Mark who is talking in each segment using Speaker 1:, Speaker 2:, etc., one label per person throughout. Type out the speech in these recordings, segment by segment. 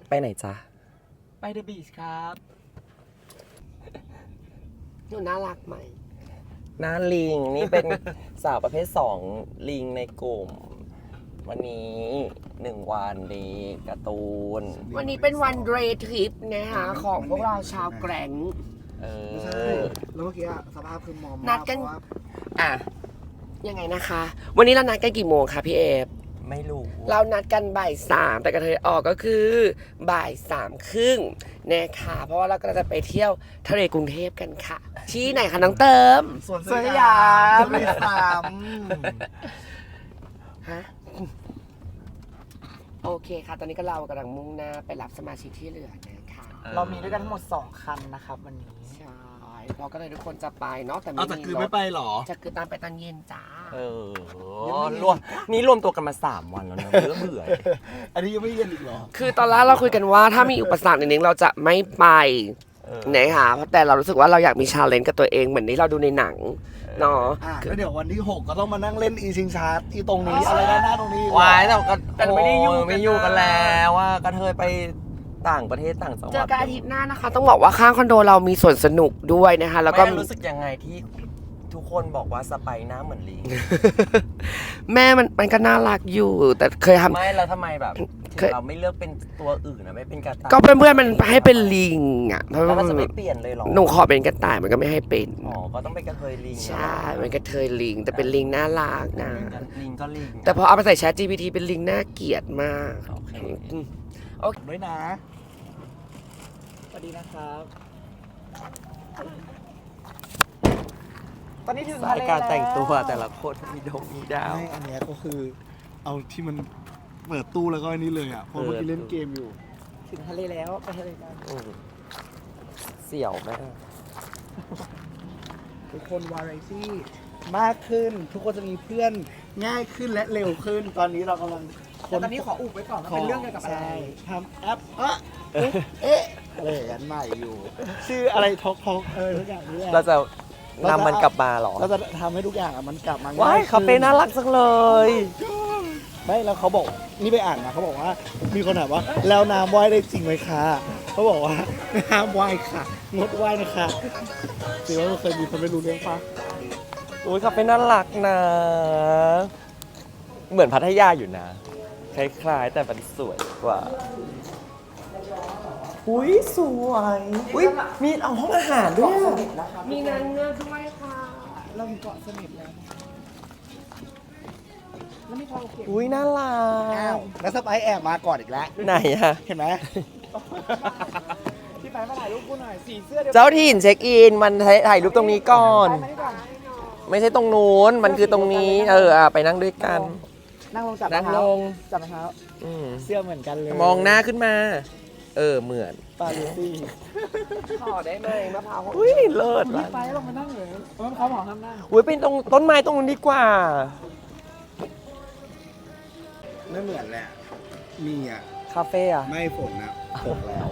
Speaker 1: ไปไหนจ๊ะ
Speaker 2: ไปเดอะบีชครับ
Speaker 1: หนูน่ารักไหมน่าลิงนี่เป็น สาวประเภท2ลิงในกลุ่มวันนี้1วันดีการ์ตูนวันนี้เป็นวันเดย์ทริปนะคะของพวกเราชาวแกร่ง
Speaker 3: ไม่ใช่แล้วเมื่อกี้สภาพคือมอม
Speaker 1: นัดกันอ่ะยังไงนะคะ วันนี้เรานัดกันกี่โมงคะพี่เอฟไม่รู้เรานัดกันบ่าย3แต่กระเทยออกก็คือบ่าย3:30นะคะเพราะว่าเราก็จะไปเที่ยวทะเลกรุงเทพกันค่ะที่ไหนคะน้องเติม
Speaker 3: สวนสยาม
Speaker 1: ฮะโอเคค่ะตอนนี้ก็เรากำลังมุ่งหน้าไปรับสมาชิกที่เหลือนะคะ
Speaker 2: เรามีด้วยกันทั้งหมด2คันนะครับวันนี้
Speaker 1: ใช่เราก็เลยทุกคนจะไปเนาะแต่
Speaker 3: เอาแต่คือไม่ไปหรอ
Speaker 1: จะคือตามไปตอนเย็นจ้าร
Speaker 4: วมตัวกันมา3วันแล้วนะเบื่อ
Speaker 3: อันนี้ยังไม่เย็นอีกหรอ
Speaker 1: คือตอนแรกเราคุยกันว่าถ้ามีอุปสรรคนิดนึงเราจะไม่ไปนะคะเพราะแต่เรารู้สึกว่าเราอยากมีชาเลนจ์กับตัวเองเหมือนที่เราดูในหนังเนาะ
Speaker 3: แล้วเดี๋ยววันที่6ก็ต้องมานั่งเล่นอีชิงชาร์ที่ตรงนี้อะไรด้านหน้าตรงนี้
Speaker 4: วายแต่ไม่ได้อยู่กันแล้วว่ากระเทยไปต่างประเทศต่างจังหวัด
Speaker 1: เจอกันอาทิตย์หน้านะคะต้องบอกว่าข้างคอนโดเรามีสวนสนุกด้วยนะคะแล้วก็
Speaker 4: รู้สึกยังไงที่ทุกคนบอกว่าสไปหน้าเหมือนลิง
Speaker 1: แม่มันก็น่ารักอยู่แต่เคยทำ
Speaker 4: ไม่แล้วทำไมแบบเราไม่เลือกเป็นตัวอื่นนะไม่เป็นกระต่าย
Speaker 1: ก็เพื่อนมันให้เป็นลิงอ่ะเพราะ
Speaker 4: แล้วมันจะไม่เปลี่ยนเลยหรอ
Speaker 1: หนูขอเป็นกระต่ายมันก็ไม่ให้เป็น
Speaker 4: ก็ต้องเป็นกระเทยลิง
Speaker 1: ใช่เป็นกระเทยลิงแต่เป็นลิงน่ารักนะ
Speaker 4: ลิงก็ลิง
Speaker 1: แต่พอเอาไปใส่ ChatGPT เป็นลิงน่าเกลียดมาก
Speaker 4: โอเค
Speaker 3: ด้วยนะ
Speaker 2: สวัสดีนะครับตอนนี้ถึงทะเลแล้ว
Speaker 4: การแต่งตัวแต่ละคนมีดาว
Speaker 3: อันนี้ก็คือเอาที่มันเปิดตู้แล้วก็อันนี้เลยอ่ะเพราะเมื่อกี้เล่นเกมอยู่
Speaker 2: ถึงทะเลแล้วไปทะเลกัน
Speaker 4: เสี่ยวแม่
Speaker 3: ทุกคนวาไรตี้มากขึ้นทุกคนจะมีเพื่อนง่ายขึ้นและเร็วขึ้นตอนนี้เรากำลัง
Speaker 2: ตอนนี้ขออุบไว้ก่อนว่าเป็นเรื่องเกี่ยวกับอะไร
Speaker 3: ทำแอปอะไรอย่างใหม่อยู่ชื่ออะไรท็อกทุกอย่างนี้
Speaker 4: เราจะนำมันกลับมาหรอ
Speaker 3: เราจะทำให้ทุกอย่างมันกลับมา
Speaker 4: ว้ายคาเฟ่น่ารักจังเลย
Speaker 3: ไม่แล้วเขาบอกนี่ไปอ่านนะเขาบอกว่ามีคนถามว่าแล้วน้ำว่ายได้จริงไหมคะเขาบอกว่าน้ำว่ายค่ะงดว่ายนะคะถือว่าเคยมีคนไม่รู้เรื่องปะ
Speaker 4: โอ้ยคาเฟ่น่ารักนะเหมือนพัทยาอยู่นะคล้ายๆแต่มันสวยกว่าอุ้ยสวยอุ้ยมีเอาห้องอาหารด้วย
Speaker 1: มีนางเงือกด้วยค่ะ
Speaker 2: เราอยู่เกาะเสม็ดแล้วแล้วมีทองเก็บ
Speaker 4: อุ้ยน่ารัก
Speaker 3: แล้วสไปแอบมาก่อนอีกแล้ว
Speaker 4: ไหนอะ
Speaker 3: เห็นไหม
Speaker 2: พี่ไปมาถ่ายรูปกูหน่อยสีเสื้อเดียว
Speaker 4: เจ้าถิ่นเช็คอินมันถ่ายรูปตรงนี้ก่อนไม่ใช่ตรงนู้นมันคือตรงนี้ไปนั่งด้วยกัน
Speaker 2: นั่งลงจับ
Speaker 4: นั่งลง
Speaker 2: จับเท้าเสื้อเหมือนกันเลย
Speaker 4: มองหน้าขึ้นมาเหมือน
Speaker 3: ปาซี่
Speaker 1: ขอได้ไหมมะพร้าว
Speaker 4: อุ้ยเลิศ
Speaker 2: พี่ไปลงมานั่งเลยเขาบอกห้ามนั่ง
Speaker 4: อุ้ยเป็นตรงต้นไม้ตรงนู้นดีกว่า
Speaker 3: ไม่เหมือนแหละมีอ่ะ
Speaker 4: คาเฟ่อะ
Speaker 3: ไม่ฝนนะตกแล้ว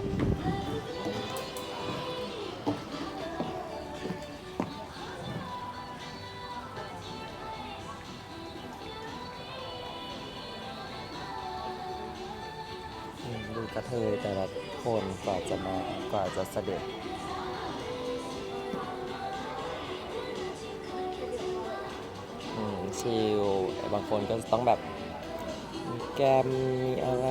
Speaker 4: ดูกระเทยแต่ละคนกว่าจะเสด็จชิลบางคนก็ต้องแบบมีแกมมีอะไร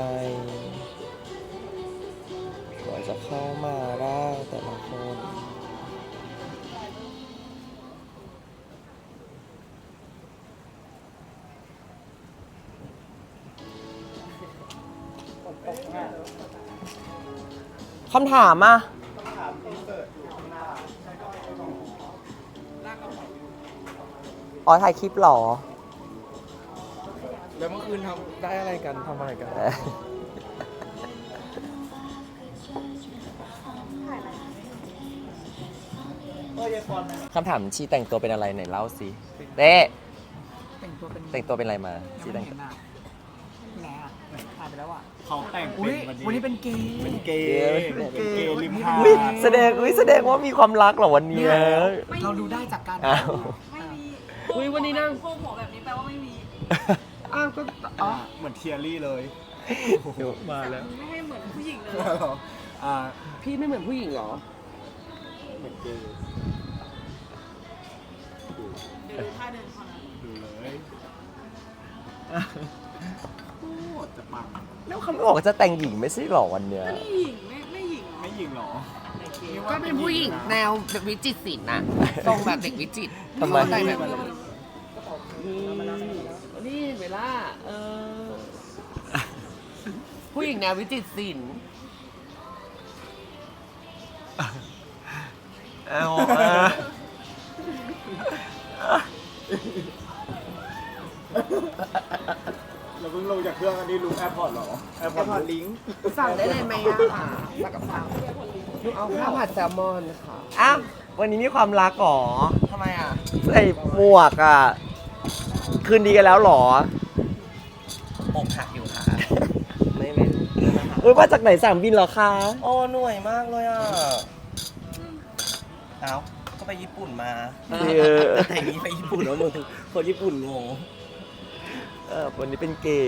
Speaker 4: กว่าจะเข้ามาได้แต่ละคนคำถามอ่ะถ่ายคลิปหรอ
Speaker 3: แล้วเมื่อคืนทำได้อะไรกันทำอะไรกัน
Speaker 4: คำถามชีแต่งตัวเป็นอะไรไหนเล่าสิเต้แต่งตัวเป็นอะไรมาชีแต่งตัว
Speaker 2: ไหนอ่ะถ่ายไปแล้วอ่ะ
Speaker 3: เขาแต่ง
Speaker 2: วันนี้เป็นเกย์
Speaker 3: ริมหาด
Speaker 4: แสดงว่ามีความรักเหรอวันนี้
Speaker 2: เราดูได้จากการ
Speaker 1: ไม่มีวันนี้นั่ง
Speaker 5: โค้งหัวแบบนี้แปลว่าไม่มี
Speaker 3: เหมือนเทียรี่เลยมาแล้ว
Speaker 5: ไม่ให้เหมือนผู้ผู้หญิงเลย
Speaker 3: อ่า
Speaker 1: พี่ไม่เหมือนผู้หญิงเหรอ
Speaker 3: เหมือนเกย์
Speaker 5: เดี๋ยวดูท่าเดินเขานะ
Speaker 3: ดูเลยโคตรจะปัง
Speaker 4: แล้วเขาไม่บอกว่าจะแต่งหญิงไม่ใช่หรอวันเนี้ย
Speaker 5: ก็นี่หญิงไม่หญิงเหรอ
Speaker 3: ไม่ยิงหรอ
Speaker 1: ก็เป็นผู้หญิงแนวแบบวิจิตรศิลป์น่ะทรงแบบเด็กวิจิตร
Speaker 4: ทำไม
Speaker 1: แต่งแบบนี่เวลาผู้หญิงแนววิจิตรศิลป์
Speaker 3: เราเพิ่งลงจากเครื่องอันนี้รู้แอร์พอร์ตหรอแอร์พอร์ตลิงก์
Speaker 1: สั่งได้เลยไหมอ่ะสั่งกับข้าวลูกเอาข้าวผัดแซลมอนค่ะ
Speaker 4: อ้าววันนี้มีความรักหรอ
Speaker 1: ทำไมอ่ะ
Speaker 4: ใส่หมวกอ่ะ คืนดีกันแล้วหรอ
Speaker 1: อกหักอยู่ค่ะ
Speaker 4: ไม่เอ้ยมาจากไหนสนามบินเหรอคะ
Speaker 1: โอ้เหนื่อยมากเลยอ่ะเอ้าก็ไปญี่ปุ่นมา แต่นี้ไปญี่ปุ่นแล้วมึงคนญี่ปุ่นงง
Speaker 4: วันนี้เป็นเกย์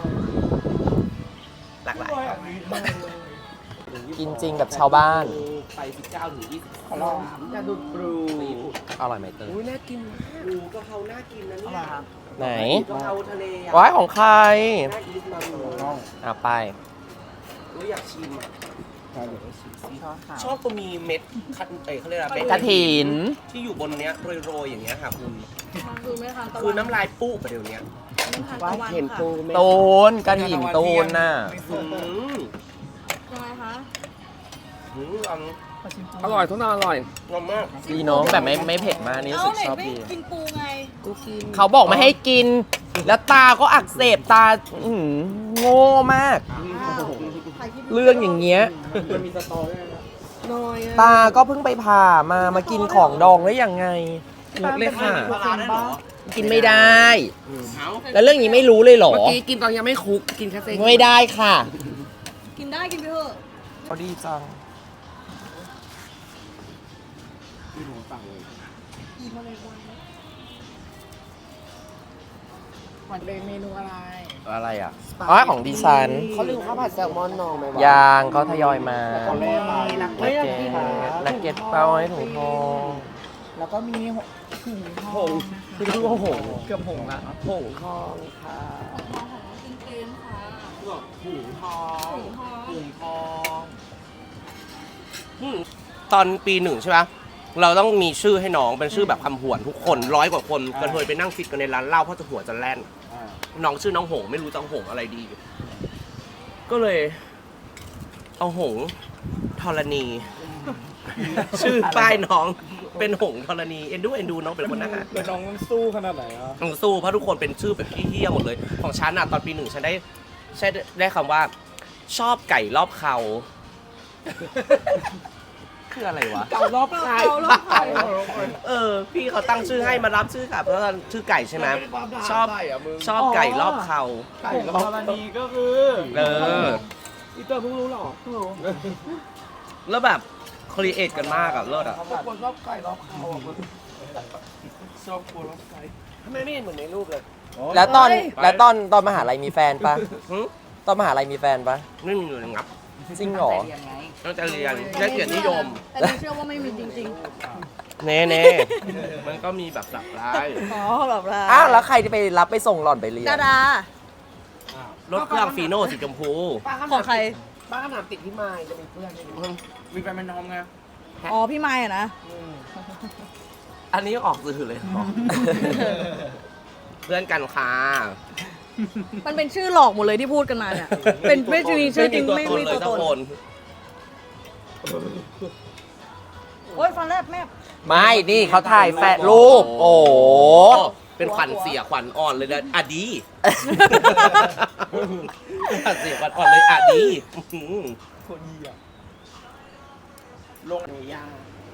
Speaker 1: หลากหลายครับ
Speaker 4: กินจริงแบบชาวบ้าน
Speaker 1: ไป19ถึง20ขอลองอยากดูบลู
Speaker 4: อร่อยไหมเตย
Speaker 1: อุ้ยน่ากินบลูกะเพราน่ากินนะเนี่ย
Speaker 4: ไหน
Speaker 1: กะเพราทะเลอ่ะ
Speaker 4: ว้ายของใคร
Speaker 1: น่ากินมากเลย
Speaker 4: ไป
Speaker 1: อุ้ยอยากชิมอ่ะ
Speaker 2: ช้อนค่ะ
Speaker 1: ชอบตัวมีเม็ดคันเขาเรียกอะไรเม็ด
Speaker 4: กระถิน
Speaker 1: ที่อยู่บนเนี้ยโรยๆอย่างเงี้ยค่ะคุณ
Speaker 5: มันคือไม่ทานตะวัน
Speaker 1: คือน้ำลายปุ๊บไปเดี๋ยวเนี้ย
Speaker 5: ไม่ทานตะวัน
Speaker 1: เห็น
Speaker 5: ค่ะ
Speaker 1: ปูไหม
Speaker 4: ตูนกระถินตูนน่ะ
Speaker 1: อืม
Speaker 5: ยังไงคะ
Speaker 1: อืมอร่อยทุกนอร่อยงอมมาก
Speaker 4: ดีเน้องแบบไม่เผ็ดมากนี่รู้
Speaker 5: เอ้า
Speaker 4: สึก
Speaker 5: ไหน
Speaker 4: ชอบ
Speaker 5: ไม่
Speaker 4: ดี
Speaker 5: กินปูไง
Speaker 1: กูกิน
Speaker 4: เขาบอกไม่ให้กิน แล้วตาก็อักเสบตาอื้อหือโง่มาก
Speaker 5: ถ่ายคลิป
Speaker 4: เรื่องอย่างเงี้ย
Speaker 3: มันมีสตอรี่นะ
Speaker 1: น้อยอ่ะ
Speaker 4: ตาก็เพิ่งไปผ่ามากินของดองได้ยังไงงกเลยค่ะ
Speaker 1: ปลาร้าได้เหรอ
Speaker 4: กินไม่ได้
Speaker 1: เอา
Speaker 4: แล้วเรื่องนี้ไม่รู้เลยเหรอ
Speaker 1: เมื่อกี้กินตอนยังไม่คุกกินแค่เส้น
Speaker 4: ไม่ได้ค่ะ
Speaker 5: กินได้กินไปเถอะ
Speaker 4: เขาดีจัง
Speaker 3: ที่หนูสั่งเลย
Speaker 2: วันเป็นเมนูอะไร
Speaker 4: อะไรอ่ะอ๋อของดิฉัน
Speaker 1: เขาลืมข้าวผัดแซลมอนนองไหมวะ
Speaker 4: ยางเขาทยอยมา
Speaker 3: ตอนแรกมา
Speaker 1: นัก
Speaker 4: นัก
Speaker 1: เก็
Speaker 4: เก็
Speaker 1: ต
Speaker 4: ตนักเก็ตเป้าให้ถุงทอง
Speaker 2: แล้วก็มีถุงท
Speaker 1: ผ
Speaker 2: อง
Speaker 1: งคือรู้ว่าผง
Speaker 2: เกือบผงละ
Speaker 1: ผงทองค่ะ
Speaker 5: ของน้องของน้องกินเกมค่ะ
Speaker 1: ผงทอง
Speaker 5: ถุงทอง
Speaker 1: ผงทองตอนปีหนึ่งใช่ไหมเราต้องมีชื่อให้น้องเป็นชื่อแบบคำหวนทุกคน100 กว่าคนกระเทยไปนั่งฟิตกันในร้านเหล้าเพราะจะหัวจะแล่น น้องชื่อน้องหงไม่รู้จะหงอะไรดี ก็เลย เอาหงธรณี ชื่อป้ายน้องเป็นหงธรณีเอ็นดูน้องเป็นคนน่ารัก
Speaker 3: แล้วน้องมันสู้ขนาดไหนอ่ะ
Speaker 1: สู้เพราะทุกคนเป็นชื่อแบบพี่เฮี้ยหมดเลย ของฉันอ่ะตอนปีหนึ่งฉันได้คำว่า ชอบไก่รอบเขา คืออะไรวะ
Speaker 2: เก่ารอบใคร
Speaker 5: เอาแล้วค่ะ
Speaker 1: พี่เขาตั้งชื่อให้มารับชื่อค่ะเพราะว่าชื่อไก่ใช่ไหมชอบไก่รอบเขา
Speaker 2: ไก่กับธรณีก็คือ
Speaker 1: อีเตอร์เพิ่งรู้หรอแล้วแบบครีเอทกันมากอะเลิศอะ
Speaker 2: คนชอบไก่รอบเขาอ่ะชอบคนรอบไก่
Speaker 1: ทำไมไม่เห็นเหมือนในรูปเลย
Speaker 4: แล้วตอนมหาลัยมีแฟนปะตอนมหาลัยมีแฟนปะ
Speaker 1: ไม่มีเลยงับ
Speaker 4: จริงเหรอ
Speaker 1: ต้องจะเรียนได้เกียรตินิยม
Speaker 5: แต่หนูเชื่อว่าไม่มีจริง
Speaker 1: เน่มันก็มีแบบหลากหลาย
Speaker 5: ๆ อ๋อแบบละ
Speaker 4: อ้าวแล้วใครที่ไปรับไปส่งหล่อนไปเรียน
Speaker 5: ดาดาร
Speaker 1: ถเครื่องฟีโน่สีชมพู
Speaker 5: ของใคร
Speaker 1: ป้าขนาดติดที่ไม้จะมีเพื่อน
Speaker 2: มีแฟนเป็นน้องไง
Speaker 5: อ๋อพี่ไม้อะนะ
Speaker 1: อันนี้ออกสื่อเลยเหรอเพื่อนกันค่ะ
Speaker 5: มันเป็นชื่อหลอกหมดเลยที่พูดกันมาเนี่ย เป็นไม่มีชื่อจริงไม่มีตัวตน โอ๊ยฟันแลบแม่
Speaker 4: ไม่นี่เขาถ่ายแฟนรูป โอ้โห
Speaker 1: เป็นขวัญเสียขวัญอ่อนเลยนะอะดีขวัญเสียขวัญอ่อนเลยอะดี
Speaker 3: คนดีอ่ะ
Speaker 1: ลงยา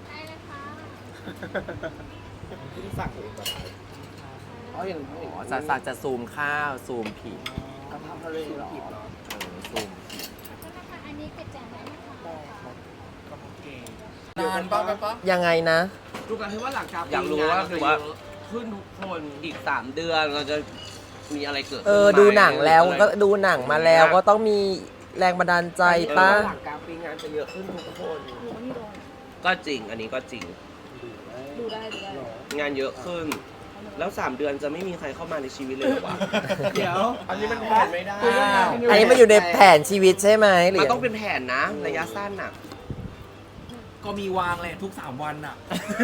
Speaker 3: สั่งเองแบบ
Speaker 1: อ๋ออย่าง
Speaker 4: อ๋อจะซูมข้าวซูมผี
Speaker 1: กะเพราทะเลเหรอ
Speaker 4: ซูม
Speaker 6: อันนี้เก็บจานได้ไหมคะ
Speaker 2: นานป่ะไปป่ะ
Speaker 4: ยังไงนะ
Speaker 2: ดูกันที่ว่าหลังจาก
Speaker 1: อยากรู้ว่าคือว่าขึ้นทุกคนอีก3 เดือนเราจะมีอะไรเกิดขึ้นไหม
Speaker 4: ดูหนังแล้วก็ดูหนังมาแล้วก็ต้องมีแรงบันดาลใจปะ
Speaker 1: หลังกลางปีงานจะเยอะขึ้นทุกคนก็จริงอันนี้ก็จริง
Speaker 5: ดูได้
Speaker 1: งานเยอะขึ้น แล้ว 3 เดือนจะไม่มีใครเข้ามาในชีวิตเลยเหรอวะ
Speaker 3: เดี๋ยว
Speaker 1: อันนี้มันแผนไม่ได้
Speaker 4: อันนี้มันอยู่ในแผนชีวิตใช่ไหมหรื
Speaker 1: มัน
Speaker 4: อ
Speaker 1: ต้องเป็นแผนนะ ระยะสั้นน่ะ
Speaker 2: ก็มีวางแหละทุก3 วันอ่ะ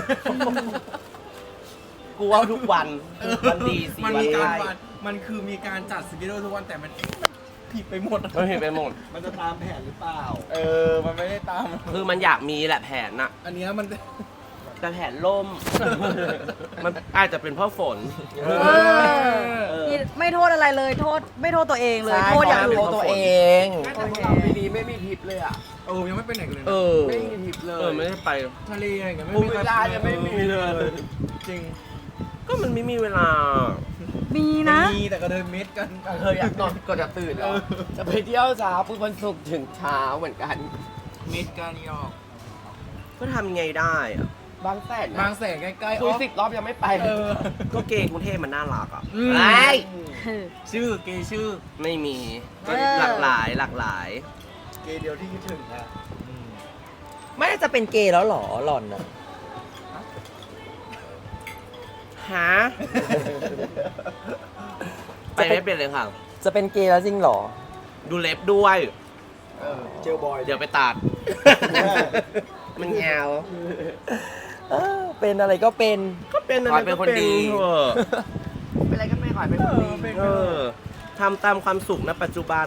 Speaker 1: กูว่าทุกวันวันดีสิ
Speaker 2: มัน
Speaker 1: วัน
Speaker 2: มีการ
Speaker 1: ไล่
Speaker 2: วันมันคือมีการจัดสกิลทุกวันแต่มันผิดไปหมด
Speaker 1: มันเห็นไปหมด
Speaker 3: มันจะตามแผนหรือเปล่า
Speaker 2: มันไม่ได้ตาม
Speaker 1: คือมันอยากมีแหละแผนน่ะ
Speaker 2: อันเนี้ยมัน
Speaker 1: แต่แผนล่ม มันอาจจะเป็นเพราะฝน
Speaker 5: นี่ไม่โทษอะไรเลยโทษไม่โทษตัวเองเลย
Speaker 4: ใช่
Speaker 5: โทษอย่างอื่น
Speaker 4: โทษตัวเอง
Speaker 1: แต่พวกเราปีนี้ไม่มีทริปเลยอ่ะ
Speaker 2: ยังไม่ไปไหนกันเลย
Speaker 4: เอ
Speaker 2: นะ
Speaker 4: อ
Speaker 1: ไม่มีทริปเลย ไม่ได้ไป
Speaker 2: ทะเลอะไรกัน
Speaker 1: ภูมิเวลายังไม่มีเลย
Speaker 2: จริง
Speaker 1: ก็มันไม่มีเวลา
Speaker 5: มีนะ
Speaker 2: มีแต่ก็เดินเม็ดกัน
Speaker 1: เคยอยากนอนก็จะตื่นแล้วจะไปเที่ยวเช้าพุธวันศุกร์ถึงเช้าเหมือนกัน
Speaker 2: เม็ดกันนี่ออก
Speaker 1: ก็ทำไงได้อะบางแสนนะ
Speaker 2: บางแสนใกล้ๆ
Speaker 1: คุย10 รอบยังไม่ไป ก็เกย์กรุงเทพมันน่ารักอ่ะ
Speaker 2: อืม
Speaker 1: ไอ้
Speaker 2: ชื่อเกย์ชื่อ
Speaker 1: ไม่มี
Speaker 5: เออ
Speaker 1: หลากหลายหลากหลาย
Speaker 3: เกย์เดียวที่คิดถึงอะ
Speaker 4: ไม่จะเป็นเกย์แล้วเหรอหล่อนอะ
Speaker 1: ฮะ ไปไม่เป็นเลยค่ะ
Speaker 4: จะเป็นเกย์แล้วจริงเหรอ
Speaker 1: ดูเล็บด้วย
Speaker 3: เจลบอย
Speaker 1: เดี๋ยวไปตัด มันยาว
Speaker 4: เป็นอะไรก็เป็น
Speaker 1: ก็เป็นอะไรเป็นคนดีเป็นอะไรก็ไม่ขอให้เป็นคนดีทำตามความสุขณปัจจุบัน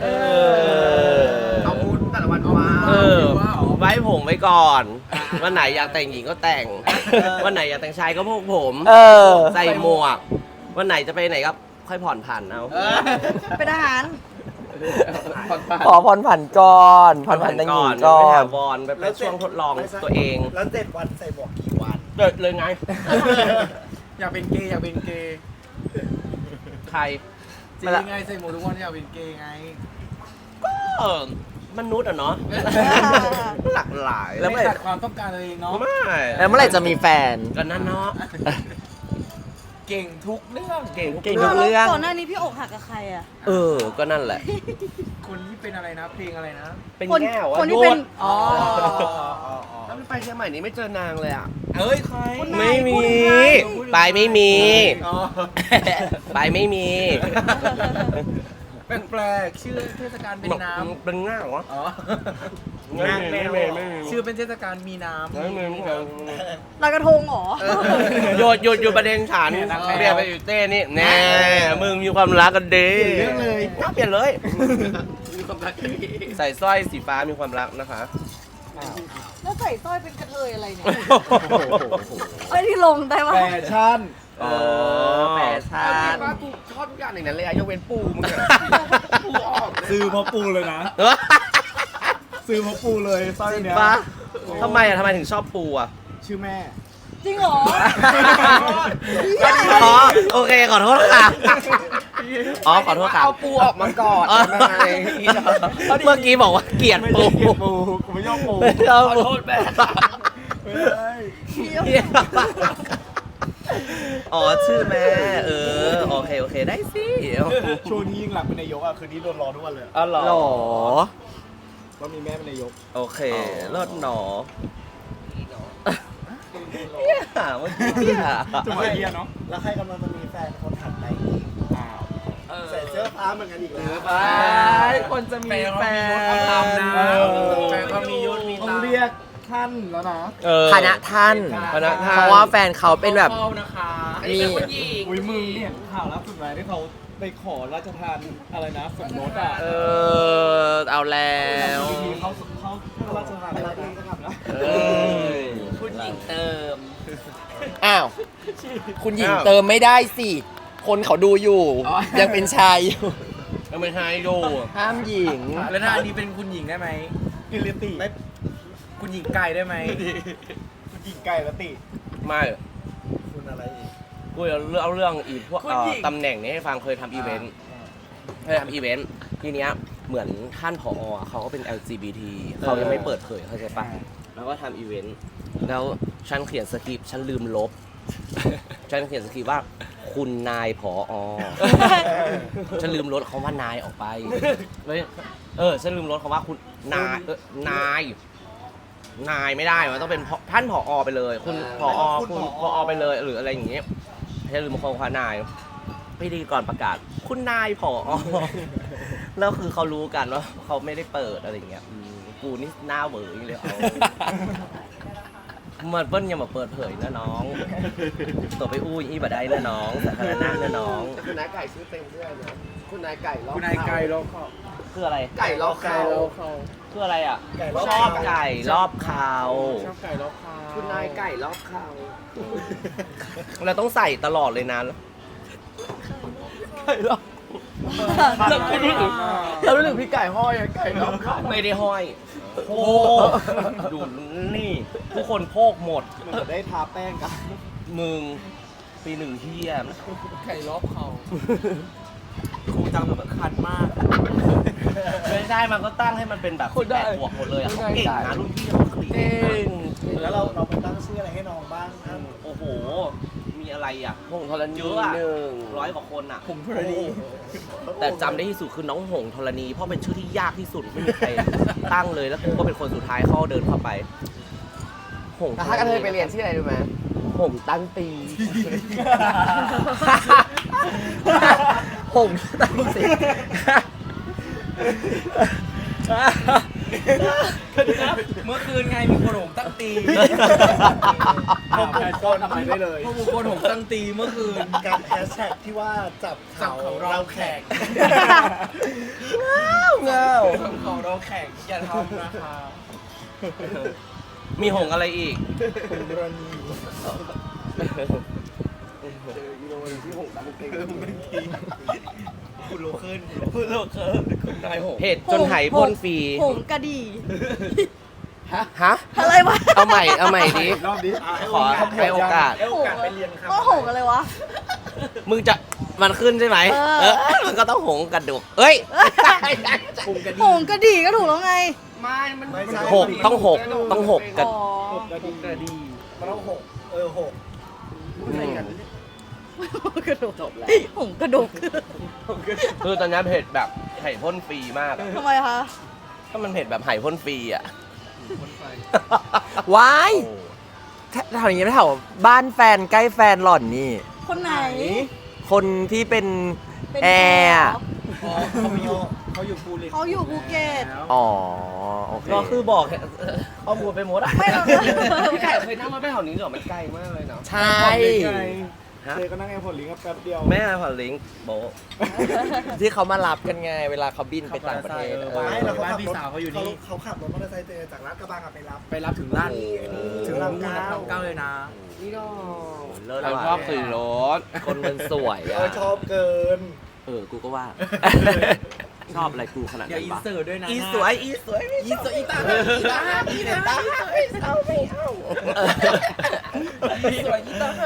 Speaker 1: เอาพูดแต่ละวันว่าไว้ผมไว้ก่อน วันไหนอยากแต่งหญิงก็แต่ง วันไหนอยากแต่งชายก็พวกผม
Speaker 4: เออ
Speaker 1: ใส่หมวก วันไหนจะไปไหนก็ค่อยผ่อนผันเอา
Speaker 5: เป็นทหาร
Speaker 4: ขอผ่อนผันก่อนผ่อนผันแต่งหญิงก่อ
Speaker 1: ไม่
Speaker 4: น
Speaker 1: ถาวรแบบเป็นช่วงทดลองตัวเอง
Speaker 3: แล้ว7 วันใส่หมวกกี่วัน
Speaker 1: เดินเลยไง
Speaker 2: อยากเป็นเกย์อยากเป็นเกย์
Speaker 1: ใคร
Speaker 2: จริงไงใส่หมวกทุกวันอยากเป็นเกย์ไง
Speaker 1: เออมนุษย์อะเนาะ หลากหลาย
Speaker 4: แล้ว
Speaker 2: ไม่ขัดความต้องการตัวเองเนาะ
Speaker 1: ไม่
Speaker 4: แล้วเมื่อไหร่จะมีแฟน
Speaker 1: กันนั่นเนาะ
Speaker 2: เก่งทุกเรื่อง
Speaker 1: เก่งทุก
Speaker 4: เก่ง
Speaker 1: เรื่
Speaker 4: ทุ
Speaker 1: อง
Speaker 4: กเรื่อง
Speaker 5: ก่อนหน้านี้พี่อกหักกับใครอ่ะ
Speaker 1: ก็นั่นแหละ
Speaker 2: คนที่เป็นอะไรนะ เพลงอะไรนะ
Speaker 1: เป็น
Speaker 5: คน
Speaker 1: แง่วะ
Speaker 5: คนที่เป็น
Speaker 1: โย
Speaker 5: อ๋อ
Speaker 1: ถ้าไม่ไปเชียงใหม่นี้ไม่เจอนางเลยอ่ะ
Speaker 2: เอ้ยใคร
Speaker 1: ไม่มี
Speaker 5: พูดถึงใคร
Speaker 1: ไปไม่มี
Speaker 2: อ๋อ
Speaker 1: ไปไม่มี
Speaker 2: แปลกๆชื่อเทศกาลเป็นน้ำ
Speaker 1: เป็นง่าวะ
Speaker 2: อ๋อ
Speaker 1: ไม่มีไม่มีไม่มี
Speaker 2: ชื่อเป็นเทศกาลมีน้ำ
Speaker 1: ไม่มีไม่มี
Speaker 5: ลอยกระทงเหรอ
Speaker 1: หยุดประเด็นฉันเปลี่ยนไปอยู่เต้นี่แน่มึงมีความรักกันดี
Speaker 3: เรื่องเลย
Speaker 1: น่าเปลี่ยนเลยใส่สร้อยสีฟ้ามีความรักนะคะ
Speaker 5: แล้วใส่สร้อยเป็นกระเทยอะไรเนี่ยไม่ที่ลงได้ปะ
Speaker 3: แฟชั่น
Speaker 1: อ๋อแฟชั่นว่ากูชอบทุกอย่างอย่างนั้นเลยอะยกเว้นปูมึงอะปูออก
Speaker 3: ซื้อเพราะปูเลยนะ ซื้อเพราะปูเลยสร้อยเนี้ย
Speaker 1: ปะทำไมถึงชอบปูอะ
Speaker 3: ชื่อแม่
Speaker 5: จริงเหรอ
Speaker 1: อ๋อโอเคขอโทษค่ะอ๋อขอโทษค่ะเอาปูออกมาก่อนเมื่อกี้บอกว่าเกลียด
Speaker 3: ไม่
Speaker 1: ปู
Speaker 3: ใช่เกลียดปูกูไม่ชอบปู
Speaker 1: ขอโทษแม่
Speaker 3: ไม่ได้
Speaker 1: อ๋อชื่อแม่โอเคได้สิ
Speaker 3: ช่วงนี้ยิ่งหลังเป็นนายกอ่ะคืนนี้โดนรอทุกวันเลย
Speaker 1: อ๋อเหรอ
Speaker 4: หรอ
Speaker 3: ว่ามีแม่เป็นนายก
Speaker 1: โอเคเลิศหนอเนี่ยเมื่อกี้เนี่ย
Speaker 3: จะมาเรียนเนาะแล้วใครกำลังจะมีแฟนคนถัดไปอีกอ้าวใส่เสื้อผ้าเหมือนกันอีกแล้ว
Speaker 1: ไปคนจะมีแฟน
Speaker 2: แฟนเขามียศมี
Speaker 3: ต้อ
Speaker 2: ตาง
Speaker 3: เรียกท่านแล้วนะ
Speaker 4: คณะท่าน
Speaker 1: คณะท่าน
Speaker 4: เพราะว่าแฟนเขาเป็นแบบ
Speaker 2: เข้านะคะ
Speaker 1: อันนี้เป็นผู้หญิง
Speaker 3: อุ้ยมึงเนี่ยข่าวล่าสุดไหมที่เขาไปขอราชทานอะไรนะสมรสอ่ะ
Speaker 1: เอาแล้ว
Speaker 3: วิธีเขาราชทานอะไรดีนะครับนะ
Speaker 1: ผู้หญิงเติม
Speaker 4: อ้าว คุณหญิงเติมไม่ได้สิ คนเขาดูอยู่ ยังเป็นชายอยู่
Speaker 1: ยังไม่ให้ดู
Speaker 4: ห้ามหญิง
Speaker 2: แล้วถ้าอันนี้เป็นคุณหญิงได้ไหม
Speaker 3: กิริติ
Speaker 2: คุณหญิงไก่ได้ไหม
Speaker 3: คุณหญิงไก่ละติ
Speaker 1: ไม่
Speaker 3: คุณอะไรอีก
Speaker 1: กูจะเอาเรื่องอีพวกตำแหน่งนี้ให้ฟังเคยทำอีเวนต์ทีเนี้ยเหมือนท่านผอเขาก็เป็น LGBT เขายังไม่เปิดเผยเข้าใจปะแล้วก็ทำอีเวนต์แล้วฉันเขียนสคริปต์ฉันลืมลบ ฉันเขียนสคริปต์ว่า
Speaker 7: คุณนายผอ ฉันลืมลดคำว่านายออกไปฉันลืมลดคำว่าคุณนายนายไม่ได้มันต้องเป็นท่านผอไปเลย คุณผอคุณผอไปเลยหรืออะไรอย่างเงี้ยฉันลืมคำว่านายพิธีกรประกาศคุณนายผอ แล้วคือเขารู้กันว่าเขาไม่ได้เปิดอะไรอย่างเงี้ยกูนี่หน้าเหวออย่างเลยเอามันเปิ้ลยังมาเปิดเผยนะน้องตัวไปอู้อีบะได้นะน้องสาธารณะนะน้อง
Speaker 1: คุณนายไก่ชื่อเต็มชื่ออะไรนะคุณนายไก่รอบ
Speaker 2: คุณนายไก่รอบเขา
Speaker 7: คืออะไร
Speaker 1: ไก่รอบเขา
Speaker 7: คืออะไรอ่ะ
Speaker 3: ไก่รอบ
Speaker 7: ชอบไก่รอบเขา
Speaker 2: ชอบไก่รอบเขา
Speaker 1: คุณนายไก่รอบเขา
Speaker 7: เราต้องใส่ตลอดเลยนะเรารู้สึกพี่ไก่ห้อยไก่รอบเขาไม่ได้ห้อยโอ้ดูนี่ทุกคนโพกหมด
Speaker 3: มันจะได้ทาแป้งกัน
Speaker 7: มึงปีหนึ่งเฮีย
Speaker 2: ไก่รอบเขาครูจำแบบคันมาก
Speaker 7: ไม่ได้มันก็ตั้งให้มันเป็นแบบ18 บวกหมดเลยอะเขาเก่งนะรุ่นพี่เขาเก่ง
Speaker 3: แล้วเราไปตั้งชื่ออะไรให้น้องบ้างครับ
Speaker 7: โอ้โห มีอะไรอ่ะ
Speaker 1: หงธรณี
Speaker 7: เยอะอะ
Speaker 1: หนึ่ง
Speaker 7: 100 กว่าคนอ่ะ
Speaker 2: ผมพอดี
Speaker 7: แต่จำได้ที่สุดคือน้องหงธรณีเพราะเป็นชื่อที่ยากที่สุดไม่มีใครตั้งเลยแล้วกูก็เป็นคนสุดท้ายเข้าเดินเข้าไปหงธร
Speaker 1: ถ้ากระเท
Speaker 7: ณี
Speaker 1: ยไปเรียนที่ไหนรู้ไหมหงตั้งตี
Speaker 7: หงตั้งสิ
Speaker 2: เมื่อคืนไงมีคนหงตั้งตี
Speaker 3: ผมคนทำไมได้เลย
Speaker 2: พวกบุคคลหงตั้งตีเมื่อคืน
Speaker 3: การแฮชแท็กที่ว่าจับเขาเราแขก
Speaker 7: เงา
Speaker 2: ของเราแข่งอย่าทำนะคะ
Speaker 7: มีหงอะไรอีก
Speaker 3: กรณี คุณโลขึ้น
Speaker 7: คุณนายหงเหตุจนไหพ่นฟรี
Speaker 5: หงกระดี่
Speaker 7: ฮะ
Speaker 5: อะไรวะ
Speaker 7: เอาใหม่ดิ
Speaker 3: รอบนี้
Speaker 7: ขอให้โอกาส
Speaker 3: ให้โอกาสไปเรียนครับ
Speaker 5: ก็หงอะไรวะ
Speaker 7: มึงจะมันขึ้นใช่ไหม
Speaker 5: เออ
Speaker 7: มันก็ต้องหงกระดูกเอ้ย
Speaker 3: คุมกัน
Speaker 5: หงกระดี่ก็ถูกแล้วไง
Speaker 3: ไม่ใช่
Speaker 7: หกต้องหกต้องหกกัน
Speaker 5: อ๋อ
Speaker 3: หกกระดิ่งกระดีมันต้องหกหก
Speaker 5: กระดูกจบแล้วหงกระดูก
Speaker 7: คือตอนนี้เผ็ดแบบไห่พ่นฟรีมากอะ
Speaker 5: ทำไมคะ
Speaker 7: ถ้ามันเผ็ดแบบไห่พ่นฟรีอ่ะ
Speaker 4: ว้ายแถวนี้แถวบ้านแฟนใกล้แฟนหล่อนนี่
Speaker 5: คนไหน
Speaker 4: คนที่เป็น
Speaker 5: เป็น
Speaker 4: แอร์อะ
Speaker 3: อ๋อเขาอยู่ภูเก็ต
Speaker 5: เขาอยู่ภูเก็ต
Speaker 4: อ๋อ โอเค
Speaker 7: ก็คือบอกข้อมูลไปหมดอะ
Speaker 5: ไม่หรอก
Speaker 1: พี่ไก่เคยนั่งรถไปแถวนี้เหรอมันไกลมากเลยเนาะ
Speaker 4: ใช่
Speaker 3: เจก็นั่งแอร์พอร์ตลิงก์แป๊บเดียว
Speaker 7: แม่ผ่อนลิงก์โบะ
Speaker 4: ที่เขามารับกันไง เวลาเขาบินไปต่างประเทศ
Speaker 3: ไม่แล้ว
Speaker 2: บ้านพี่สาวเขาอยู่นี่
Speaker 3: เขาขับรถมอเตอร์ไซค์เจจากลาดกระบังไปรับ
Speaker 2: ไปรับถึงร้าน
Speaker 3: ถึงลำเก้า
Speaker 2: เก้าเลยนะ
Speaker 1: นี่ก็
Speaker 7: เลิศ
Speaker 1: เรา
Speaker 7: ว่ะ
Speaker 1: ชอบขี่รถ
Speaker 4: คนมันสวยอ่ะ
Speaker 3: ชอบเกิน
Speaker 7: กูก็ว่า ชอบอะไรกูขนาด
Speaker 2: เดี๋ยว
Speaker 7: นั้น
Speaker 2: อิน
Speaker 7: ปะ
Speaker 2: เสิร์ตด้วยนะ
Speaker 7: อีสวยอีสวย
Speaker 2: อีสวยอีตาอีตาอีตา
Speaker 1: เอาไม่เอา
Speaker 2: อีสวยอีตา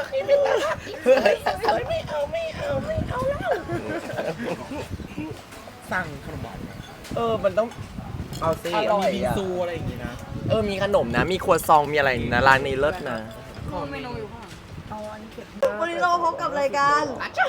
Speaker 1: ไม่เอาแล้ว
Speaker 2: สั่งขนมหวาน
Speaker 7: มันต้องเอาสิ
Speaker 2: มีบิงซูอะไรอย่างงี้นะ
Speaker 4: มีขนมนะ มีครัวซอง มีอะไรนะร้านนี้เลิศนะ
Speaker 5: เมนูอยู่ข้างหลังเอาอันนี้เก็บวันนี้เราพบกับรายการ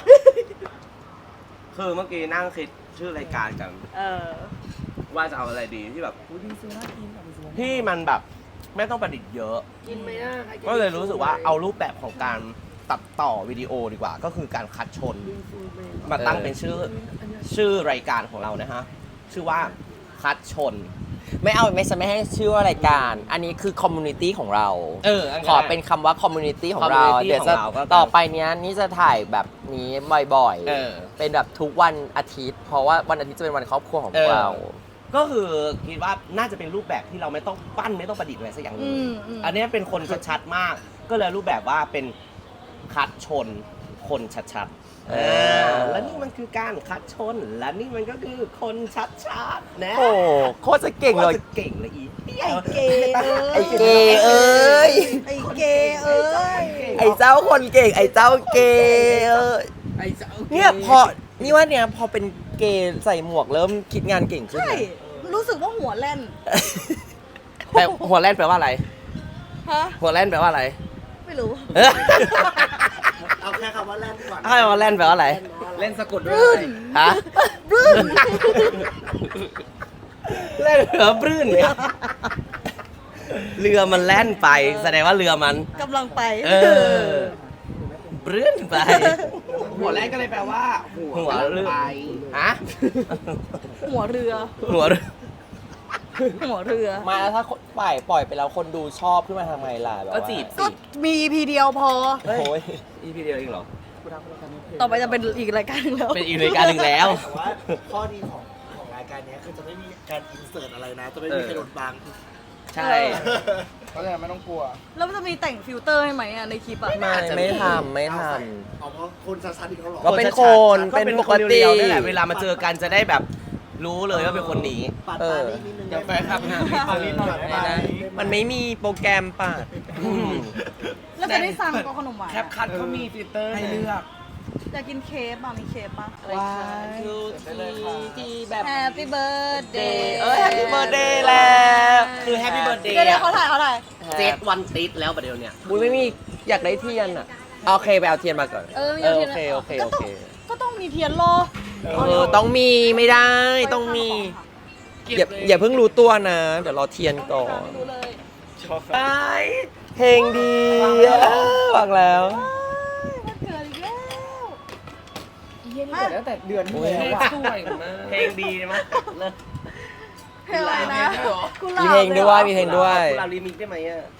Speaker 7: คือเมื่อกี้นั่งคิดชื่อรายการกัน ว่าจะเอาอะไรดีที่แบบที่มันแบบไม่ต้องประดิษฐ์เยอะ
Speaker 1: กินไหมอ่ะใครน
Speaker 7: ก็เลยรู้สึกว่าเอารูปแบบของการตัดต่อวิดีโอดีกว่า ก็คือการคัดชน มาตั้งเป็นชื่อรายการของเรานะฮะ ชื่อว่าคัดชน
Speaker 4: ไม่ให้ชื่อว่ารายการ อันนี้คือคอมมูนิตี้ของเรา ขอเป็นคำว่าคอมมูนิตี้ของเรา
Speaker 7: community
Speaker 4: เดี๋ยวจะ
Speaker 7: ของเราก็
Speaker 4: ต่อไปเนี้ยนี่จะถ่ายแบบนี้บ่อย
Speaker 7: เออ
Speaker 4: เป็นแบบทุกวันอาทิตย์ เพราะว่าวันอาทิตย์จะเป็นวันครอบครัวของพวกเรา
Speaker 7: ก็คือคิดว่าน่าจะเป็นรูปแบบที่เราไม่ต้องปั้นไม่ต้องประดิษฐ์อะไรสักอย่างหนึง อันนี้เป็นคนชัดๆมาก ก็เลยรูปแบบว่าเป็นคัดชนคนชัดๆและนี่มันคือการคัดชน และนี่มันก็คือคนชัดๆนะ
Speaker 4: โอ้โคตรจะเก่งเลย
Speaker 7: โคตรจะเก่งเลยอี
Speaker 5: ไอ้เกย์เอ้ย
Speaker 4: ไอ้เกย์เอ้ย
Speaker 5: ไอ้เกย์เอ้ย
Speaker 4: ไอ้เจ้าคนเก่ง ไอ้เจ้าเกย์เอ้ย
Speaker 2: ไอ้เจ้า
Speaker 4: เนี่ยนี่ว่าเนี่ยพอเป็นเกย์ใส่หมวกเริ่มคิดงานเก่งขึ้น
Speaker 5: ใช่
Speaker 4: นะ
Speaker 5: รู้สึกว่าหัวแล่น
Speaker 7: แต่หัวแล่นแปลว่าอะไร
Speaker 5: ฮะ
Speaker 7: หัวแล่นแปลว่าอะไร
Speaker 5: ไม่รู้
Speaker 3: เอาเอาแค่คำว่าแล่นก่อน
Speaker 7: ให้มาแล่นแปลว่าอะไร
Speaker 2: เล่นสะกดด้วย
Speaker 7: ฮะเล่นเรือปลื้นเนี่ยเรือมันแล่นไป แสดงว่าเรือมัน
Speaker 5: กำลังไป
Speaker 7: ปลื้นไป
Speaker 2: หัวแรกก็เลยแปลว่า
Speaker 7: หัวเรือ
Speaker 2: ไป
Speaker 7: ฮะ
Speaker 5: หัวเรือ
Speaker 7: หัวเรือ
Speaker 5: หัวเรือ
Speaker 4: มาแล้วถ้าปล่อยไปแล้วคนดูชอบขึ้นมาทำไงล่ะแบบ
Speaker 7: ก็
Speaker 4: ว่า
Speaker 7: จีบ
Speaker 5: ก็
Speaker 7: สิ
Speaker 5: มี EP เดียวพอ
Speaker 4: โอ้ย
Speaker 7: EP เดียวเองเหรอ
Speaker 5: ต่อไปจะเป็นอีกรายการหนึงแล้ว
Speaker 7: เป็นอีกรายการหนึ่งแล้ว
Speaker 3: แต่ว่าข้อดีของรายการเนี้ยคือจะไม่มีการอินเสิร์ตอะไรนะ จะไม่มีใครโดนบัง
Speaker 7: ใช่
Speaker 2: เพราะฉะนั้นไม่ต้องกลัว
Speaker 5: แล้วมันจะมีแต่งฟิลเตอร์ให้ไหมอะในคลิปอะ
Speaker 4: ไม่ทำ
Speaker 3: เอาเพราะคนชัดๆอีกแล้วเหรอ
Speaker 4: ก็เป็นคน
Speaker 7: ก็เป็น
Speaker 4: ป
Speaker 7: ค
Speaker 4: ก
Speaker 7: น
Speaker 4: ติ
Speaker 7: เรียวๆนี่แหละเวลามาเจอกันจะได้แบบรู้เลยว่าเป็นคนนี้
Speaker 3: ปัด
Speaker 4: เอ
Speaker 3: ตา
Speaker 4: อ
Speaker 3: นิดนึง
Speaker 2: เดี๋ยวแฟนคลับหาพี่ปานิดหน่อยได้ไหม
Speaker 4: มันไม่มีโปรแกรมป่ะ
Speaker 5: แล้วจะได้สั่งก็ขนมหวาน
Speaker 2: แคปคัทเขามีฟิลเตอร์ให้เลือก
Speaker 5: อยากกินเค้กป่ะมีเค้กป่ะ
Speaker 2: ว้าย
Speaker 4: ที่แบบ
Speaker 5: Happy Birthday
Speaker 4: แฮปปี้เบิร์ดเดย์แล้ว
Speaker 7: คือแฮปปี้เบิร์ดเดย์
Speaker 5: เดี๋ยวเขาถ่าย
Speaker 7: เจ็ดวันติดแล้วประเดี๋ยวเนี่ย
Speaker 4: บุ้ยไม่มีอยากได้เทียนอ่ะโอเคไปเอาเทียนมาก่อน
Speaker 5: มีทียน
Speaker 4: โอเค
Speaker 5: ก็ต้องมีเทียนรอ
Speaker 4: ต้องมีไม่ได้ต้องมี อย่าเพิ่งรู้ตัวนะ เดี๋ยวรอเทียนก่อน
Speaker 5: ดูเลย
Speaker 4: ไปเพลงดีฟังแล้ว
Speaker 5: มันเกิดอีกแล้ว
Speaker 2: เย็นกว่าตั้งแต่เดือนที่แล้วอะ
Speaker 4: สวยมาก
Speaker 7: เพลงดีมั้ยเลิศ
Speaker 5: เพลงอะไรนะกุห
Speaker 4: มี
Speaker 5: ลาบ
Speaker 4: เพลงด้วยมีเพลงด้วย
Speaker 7: เรารีมิกได้ไหมอ่ะ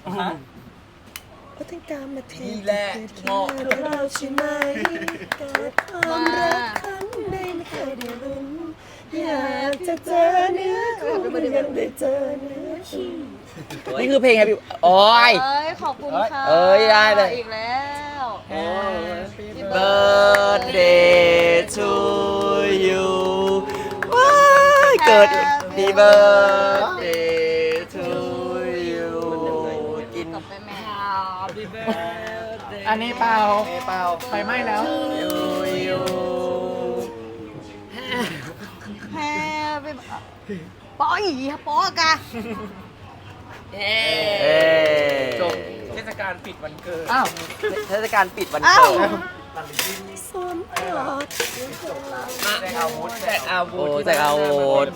Speaker 2: ดีแหละเหมาะ
Speaker 4: นี่คือเพลง Happy โอ้ย
Speaker 5: เอ้ยขอบคุณค่ะ
Speaker 4: เอ้ยได้เลย
Speaker 5: อีกแล้ว
Speaker 4: Birthday to you ว้ายเกิด Happy Birthday to you กิน
Speaker 5: กลับไปแม่
Speaker 2: อันนี้เปล่าไฟไหม้แล้ว
Speaker 4: you
Speaker 5: แฮปปี้ปออีปอกะ
Speaker 2: จบเทศกาลปิดวันเกิด
Speaker 4: เทศกาลปิดวัน
Speaker 5: อ้า
Speaker 4: เกิ
Speaker 5: ว
Speaker 4: ด
Speaker 2: แจกอาวุธแจกอาวุธ
Speaker 4: โอ้แจกอาวุธ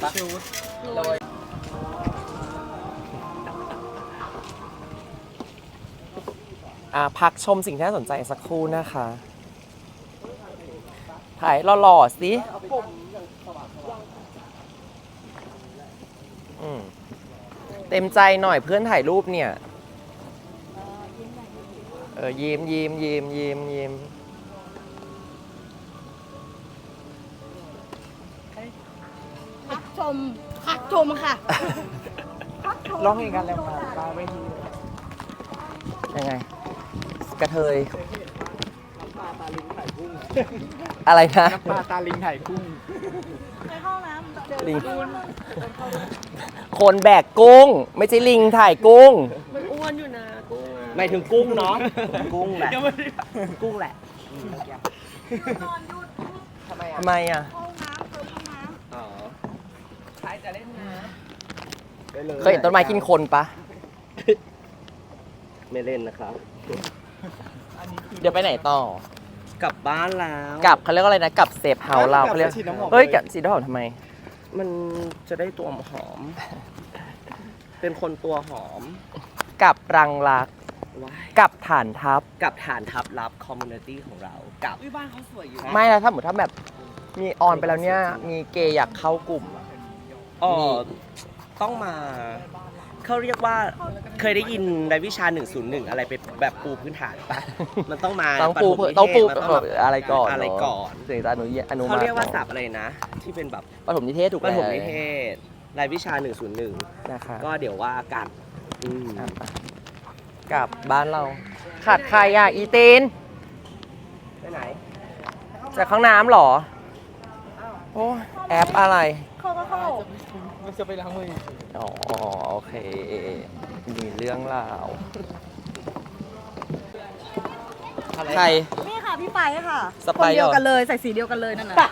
Speaker 4: พักชมสิ่งที่น่าสนใจสักครู่นะคะ ถ่ายหล่อๆสิเต็มใจหน่อยเพื่อนถ่ายรูปเนี่ย ยิ้มยิ้มยิ้มยิ้มยิ้ม
Speaker 5: พักชมค่ะ
Speaker 2: ร้องเพลงกันแล้วมาปาเวที
Speaker 4: ยังไง กระเทย อะไรนะ
Speaker 2: ปลาตาลิงถ่ายกุ้ง
Speaker 5: ไปเข้าน้ำเจอ
Speaker 4: ลิง คนแบกกุ้ง ไม่ใช่ลิงถ่ายกุ้ง
Speaker 7: ไม่ถึงกุ้งเนาะ กุ้งแหละ กุ้งแหละ
Speaker 5: นอนหยุด
Speaker 4: ทำไมอ่ะ
Speaker 5: ห้องน้ำเติมห้องน้ำ
Speaker 7: อ๋อ
Speaker 2: ใครจะเล่นน้
Speaker 4: เคยเห็นต้นไม้กินคนปะ
Speaker 7: ไม่เล่นนะครับ
Speaker 4: เดี๋ยวไปไหนต่อ
Speaker 7: กลับบ้านแล้ว
Speaker 4: กลับเขาเรียกว่าอะไรนะ กลับเซฟเฮาส์เราเขาเรียกเฮ้ยกลับสีดอกทำไม
Speaker 7: มันจะได้ตัวหอม เป็นคนตัวหอม
Speaker 4: กลับรังรัก
Speaker 7: ว้าย
Speaker 4: กลับฐานทัพ
Speaker 7: กับฐานทัพลับคอมมูนิตี้ของเรากับ
Speaker 2: ำบ้านเขาสวยอยู่
Speaker 4: ไม่แล้วถ้าสมมติถ้าแบบมีออนไปแล้วเนี่ย มีเกย์อยากเข้ากลุ่มอะ
Speaker 7: อ๋อต้องมา เขาเรียกว่าเคยได้ยินในวิชา 101 อะไรเป็นแบบปูพื้นฐานปะ มันต้องมา
Speaker 4: ต้องปู
Speaker 7: ปฐมนิเทศ
Speaker 4: ต้องปู
Speaker 7: มันต้องแบบ
Speaker 4: อะไรก่อน
Speaker 7: อะไรก่อน
Speaker 4: ถึงจะอนุ
Speaker 7: เขา
Speaker 4: มา
Speaker 7: เรียกว่าศัพท์อะไรนะ ที่เป็นแบบ
Speaker 4: ปฐมนิเทศถูก
Speaker 7: ป
Speaker 4: แล้ว
Speaker 7: ฐมนิเทศรายวิชา
Speaker 4: นะคะ
Speaker 7: 101 ก็เดี๋ยวว่ากันอืม
Speaker 4: กลับบ้านเรา ขาดใครอ่ะ อีตีน
Speaker 7: ไปไหน
Speaker 4: จากข้างน้ำเหรอ โอ้แอปอะไร
Speaker 5: เข้าก็เข้า
Speaker 2: มันจะไปล้างมือ
Speaker 4: อ๋อ โอเค มีเรื่องราว ใคร
Speaker 5: นี่ค่ะพี่ไปค่ะ
Speaker 4: สไป
Speaker 5: คน
Speaker 4: เหรอ
Speaker 5: เดียวกันเลยใส่สีเดียวกันเลยนั่นน่ะ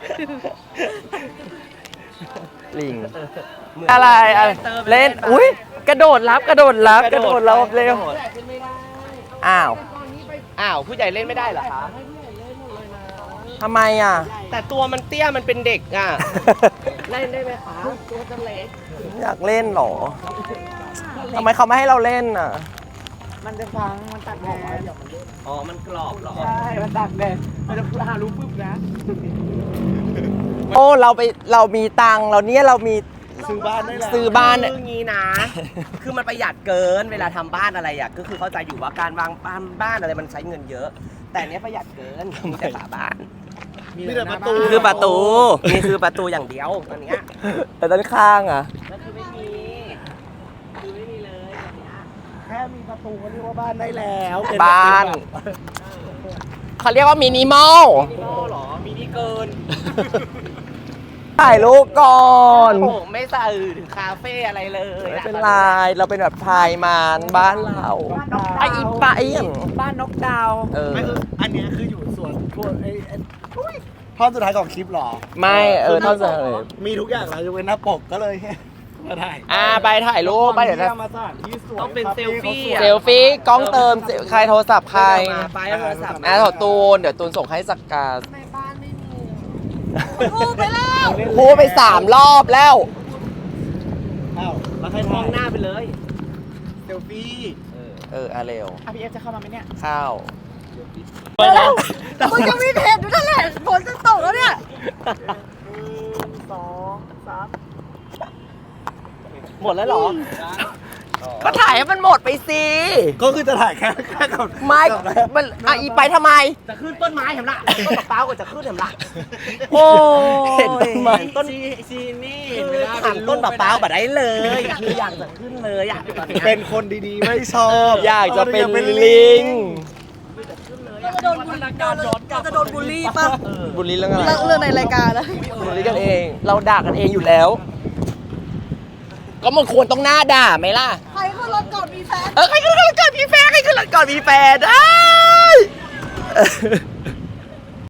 Speaker 4: ลิง อะไรเล่น อุ้ยกระโดดรับ กระโดดรับ เร็ว อ้าว
Speaker 7: อ้าวผู้ใหญ่เล่นไม่ได้เหรอคะ
Speaker 4: ทำไมอ่ะ
Speaker 7: แต่ตัวมันเตี้ยมันเป็นเด็กอ่ะ เล่นได้ไหมคะตัวจะเล็ก
Speaker 4: อยากเล่นเหรอทำไมเขาไม่ให้เราเล่นอ่ะ
Speaker 3: มันจะฟังมันตัดแดด
Speaker 7: อ๋อมันกรอบเหรอ
Speaker 3: ใช่มันตัดแดดมันจะหารู้ปุ๊บนะ
Speaker 4: โอ้เรามีตังค์เราเนี่ยเรามี
Speaker 3: ซื้อบ้านได้แล้ว
Speaker 4: ซื้อบ้าน
Speaker 7: คืองี้นะ คือมันประหยัดเกินเวลาทำบ้านอะไรอ่ะก็คือเข้าใจอยู่ว่าการวางบ้านอะไรมันใช้เงินเยอะ แต่เนี้ยประหยัดเกินมีแต่ฝาบ้าน
Speaker 3: มีแต่ประตู
Speaker 7: คือประตูนี่คือประตูอย่างเดียวตอนเนี้ย
Speaker 4: แต่ด้านข้างอ่ะ
Speaker 7: ก็คือไม่มีคือไม่มีเลยตอนเนี้ย
Speaker 3: แค่มีประตูก็เรียกว่าบ้านได้แล้วเป็
Speaker 4: บ้าน เขาเรียกว่ามินิมอล
Speaker 7: มินิมอลเหรอมินิเกิน
Speaker 4: ถ่ายรูปก่อน
Speaker 7: ผมไม่ใส่ถึงคาเฟ่อะไรเลย
Speaker 4: ไม่เป็นไรเราเป็นแบบพายมานบ้านเราไอ้อีปะไอ้อย่าง
Speaker 3: บ้านนกดาว
Speaker 4: เออ
Speaker 3: ไม่คืออันเนี้ยคืออยู่ส่วนพวกอุ๊ยท่อนสุดท้ายของคลิปเหรอ
Speaker 4: ไม่เท่าไหร่
Speaker 3: มีทุกอย่างแล้วยกเว้นหน้าปกก็เลยมาถ่าย
Speaker 4: ไปถ่ายรูปไปเดี๋ยวนะ
Speaker 3: มาสถานที่สวย
Speaker 7: ต้องเป็นเซลฟี่
Speaker 3: คา
Speaker 4: เซ
Speaker 3: ฟ่
Speaker 4: ลฟี่กล้องเติมใครโทรศัพท์ใคร
Speaker 7: มาไปเอาโทรศัพท์
Speaker 4: ขอตูนเดี๋ยวตูนส่งให้สักการ
Speaker 5: พูดไปแล้ว
Speaker 4: พูดไป3 รอบแล้ว
Speaker 3: อ้าวแล้วใคร
Speaker 7: ม
Speaker 3: ถ่า
Speaker 7: อง
Speaker 3: ย
Speaker 7: หน้าไปเลย
Speaker 3: เซลฟี่
Speaker 4: เร็ว
Speaker 3: พี่เอฟจะเข้ามาไหมเนี่ย
Speaker 4: เข้า
Speaker 5: มึงจะมีเพจอยู่นั่นแหละฝนจะตกแล้วเนี่ย
Speaker 3: 2 3
Speaker 7: หมดแล้วเหรอ
Speaker 4: ก็ถ่ายให้มันหมดไปสิ
Speaker 3: ก็คือจะถ่ายแค่กับ
Speaker 4: ไม่มันอีไปทำไม
Speaker 7: จะขึ้นต้นไม้เห็นละต้นมะพร้าวก็จะขึ้นเห็นละ
Speaker 4: โอ้เห็นต้นไม้
Speaker 7: ต้นซีนี่คือทำต้นมะพร้าวแบบได้เลยคืออยากจะขึ้นเลยอยากตอนนี้
Speaker 3: เป็นคนดีๆไม่ชอบ
Speaker 4: อยากจะเป็นลิง
Speaker 5: เราจะโดนบูลลี่เราจะโดนบูลลี่ป่ะ
Speaker 4: บุรีเรื่องอะไร
Speaker 5: เรื่องในรายการนะ
Speaker 4: บุรีกันเอง เราด่ากันเองอยู่แล้ว ก็มันควรต้องหน้าด่าไหมล่ะ
Speaker 5: ใครขึ้นรถก่อนมีแฟน
Speaker 4: ใครขึ้นรถก่อนมีแฟนใครขึ้นรถก่อนมีแฟนได้